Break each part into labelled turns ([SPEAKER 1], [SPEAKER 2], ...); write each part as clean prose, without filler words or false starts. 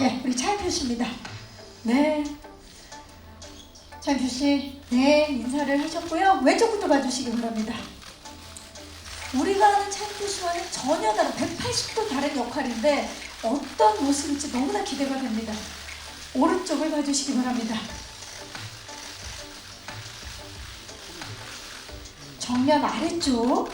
[SPEAKER 1] 네, 우리 차인표 씨입니다. 네, 차인표 씨, 네, 인사를 하셨고요. 왼쪽부터 봐주시기 바랍니다. 우리가 아는 차인표 씨와는 전혀 다른 180도 다른 역할인데 어떤 모습일지 너무나 기대가 됩니다. 오른쪽을 봐주시기 바랍니다. 정면 아래쪽,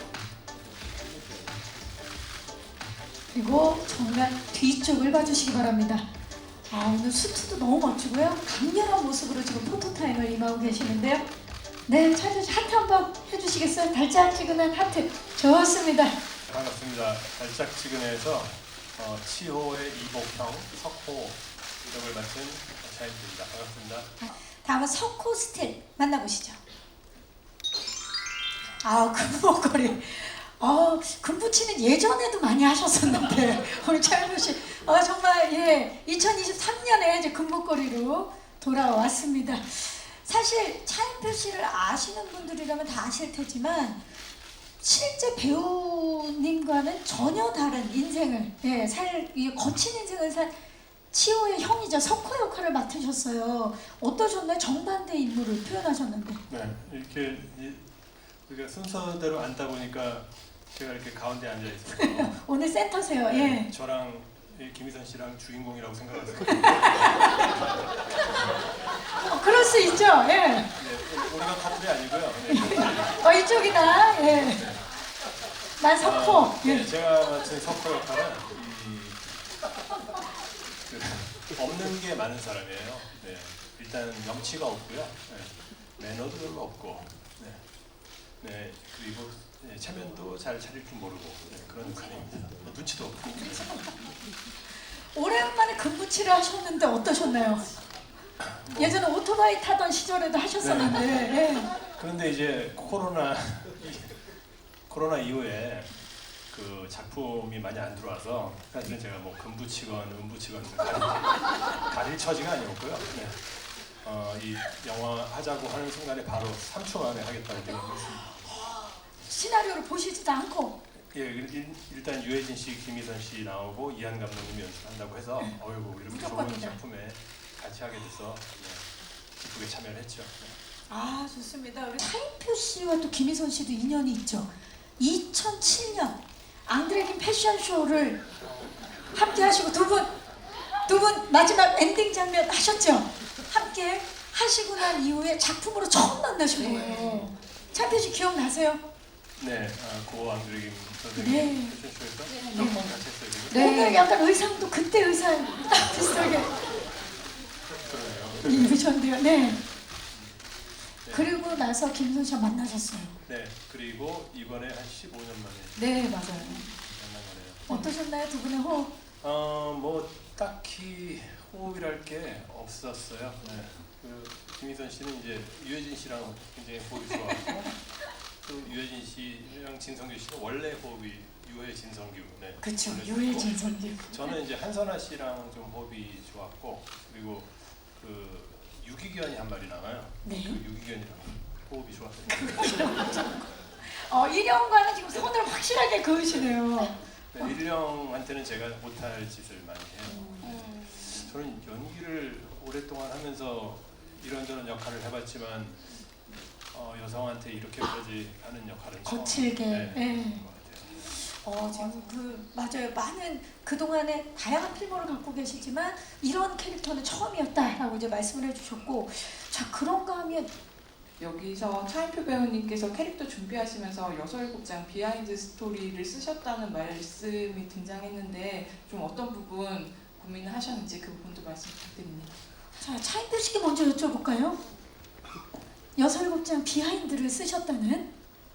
[SPEAKER 1] 그리고 정면 뒤쪽을 봐주시기 바랍니다. 아, 오늘 수트도 너무 멋지고요. 강렬한 모습으로 지금 포토타임을 임하고 계시는데요. 네, 차인표 씨 하트 한번 해주시겠어요? 달짝지근한 하트. 좋습니다.
[SPEAKER 2] 반갑습니다. 달짝지근해서 치호의 이복형, 석호 이름을 맡은 차인표입니다. 반갑습니다.
[SPEAKER 1] 다음은 석호 스틸 만나보시죠. 아, 금목걸이. 금붙이는 예전에도 많이 하셨었는데 우리 차인표 씨, 정말 예, 2023년에 이제 금목걸이로 돌아왔습니다. 사실 차인표 씨를 아시는 분들이라면 다 아실 테지만 실제 배우님과는 전혀 다른 인생을 거친 인생을 산 치호의 형이자 석호 역할을 맡으셨어요. 어떠셨나요? 정반대 인물을 표현하셨는데.
[SPEAKER 2] 네, 이렇게 우리가 순서대로 앉다 보니까 제가 이렇게 가운데 앉아 있어서
[SPEAKER 1] 오늘 센터세요.
[SPEAKER 2] 네,
[SPEAKER 1] 예.
[SPEAKER 2] 저랑 김희선 씨랑 주인공이라고 생각하세요.
[SPEAKER 1] 그럴 수 있죠. 예.
[SPEAKER 2] 네, 우리가 커플이 아니고요. 네,
[SPEAKER 1] 이쪽이다. 예. 난 석호.
[SPEAKER 2] 네,
[SPEAKER 1] 예.
[SPEAKER 2] 제가 맡은 석호 역할은 없는 게 많은 사람이에요. 네, 일단 명치가 없고요. 네, 매너도 별로 없고, 네, 그리고 체면도 잘 차릴 줄 모르고 그런 역할입니다. 눈치도 없고.
[SPEAKER 1] 오랜만에 금붙이를 하셨는데 어떠셨나요? 예전에 오토바이 타던 시절에도 하셨었는데. 예.
[SPEAKER 2] 그런데 이제 코로나 이후에 그 작품이 많이 안 들어와서 사실은 제가 뭐 금붙이건 은붙이건 가릴 처지가 아니었고요. 네. 이 영화 하자고 하는 순간에 바로 3초 만에 하겠다고 생각했습니다.
[SPEAKER 1] 시나리오를 보시지도 않고.
[SPEAKER 2] 예, 일단 유해진 씨, 김희선 씨 나오고 이한 감독님이 연출한다고 해서 어이구 이렇게 좋은 작품에 같이 하게 돼서 기쁘게 참여를 했죠.
[SPEAKER 1] 아, 좋습니다. 우리 차인표 씨와 또 김희선 씨도 인연이 있죠. 2007년 앙드레긴 패션쇼를 함께 하시고 두 분 마지막 엔딩 장면 하셨죠? 함께 하시고 난 이후에 작품으로 처음 만나신 거예요. 차인표 씨 기억나세요?
[SPEAKER 2] 네, 고 앙드레긴 선생님
[SPEAKER 1] 네.
[SPEAKER 2] 패션쇼에서 몇 번 같이 했어요. 지금?
[SPEAKER 1] 네. 오늘 약간 의상도 그때 의상 비슷하게
[SPEAKER 2] 그러네요.
[SPEAKER 1] 입으셨는데요. 네. 그리고 나서 김선 씨와 만나셨어요.
[SPEAKER 2] 네, 그리고 이번에 한 15년 만에
[SPEAKER 1] 네, 맞아요.
[SPEAKER 2] 만난 거네요.
[SPEAKER 1] 어떠셨나요, 두 분의 호흡?
[SPEAKER 2] 뭐 딱히 호흡이랄 게 없었어요. 네. 김희선 씨는 이제 유해진 씨랑 굉장히 호흡이 좋았고, 또 유해진 씨랑 진성규 씨는 원래 호흡이 유해 진성규. 네.
[SPEAKER 1] 그렇죠, 유해 진성규.
[SPEAKER 2] 저는 이제 한선아 씨랑 좀 호흡이 좋았고, 그리고 그 유기견이 한 마리 나와요.
[SPEAKER 1] 네.
[SPEAKER 2] 그 유기견이랑 호흡이 좋았어요.
[SPEAKER 1] 일영과는 지금 손을 확실하게 그으시네요.
[SPEAKER 2] 네, 일령한테는 제가 못할 짓을 많이 해요. 저는 연기를 오랫동안 하면서 이런저런 역할을 해봤지만 여성한테 이렇게까지 하는 역할은
[SPEAKER 1] 거칠게.
[SPEAKER 2] 처음 것 같아요.
[SPEAKER 1] 지금 맞아요. 많은 그동안에 다양한 필모를 갖고 계시지만 이런 캐릭터는 처음이었다라고 이제 말씀을 해주셨고, 자, 그런가 하면
[SPEAKER 3] 여기서 차인표 배우님께서 캐릭터 준비하시면서 6-7장 비하인드 스토리를 쓰셨다는 말씀이 등장했는데 좀 어떤 부분 고민을 하셨는지 그 부분도 말씀 부탁드립니다.
[SPEAKER 1] 자, 차인표 씨께 먼저 여쭤볼까요? 6-7장 비하인드를 쓰셨다는?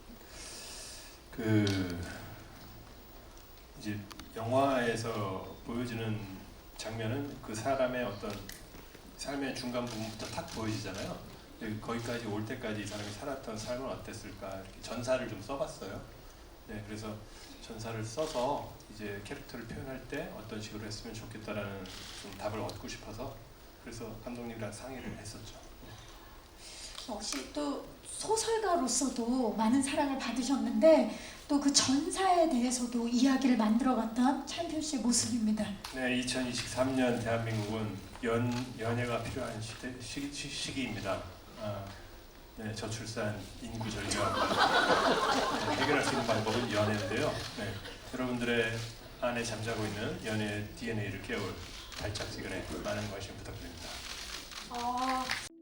[SPEAKER 2] 이제 영화에서 보여지는 장면은 그 사람의 어떤 삶의 중간 부분부터 탁 보여지잖아요. 거기까지 올 때까지 이 사람이 살았던 삶은 어땠을까, 이렇게 전사를 좀 써봤어요. 네, 그래서 전사를 써서 이제 캐릭터를 표현할 때 어떤 식으로 했으면 좋겠다라는 좀 답을 얻고 싶어서 그래서 감독님이랑 상의를 했었죠.
[SPEAKER 1] 역시 또 소설가로서도 많은 사랑을 받으셨는데 또 그 전사에 대해서도 이야기를 만들어갔던 차인표 씨의 모습입니다.
[SPEAKER 2] 네, 2023년 대한민국은 연예가 필요한 시기입니다. 네, 저출산, 인구 절벽 네, 해결할 수 있는 방법은 연애인데요. 네, 여러분들의 안에 잠자고 있는 연애 DNA를 깨울 발짝지근에 많은 관심 부탁드립니다.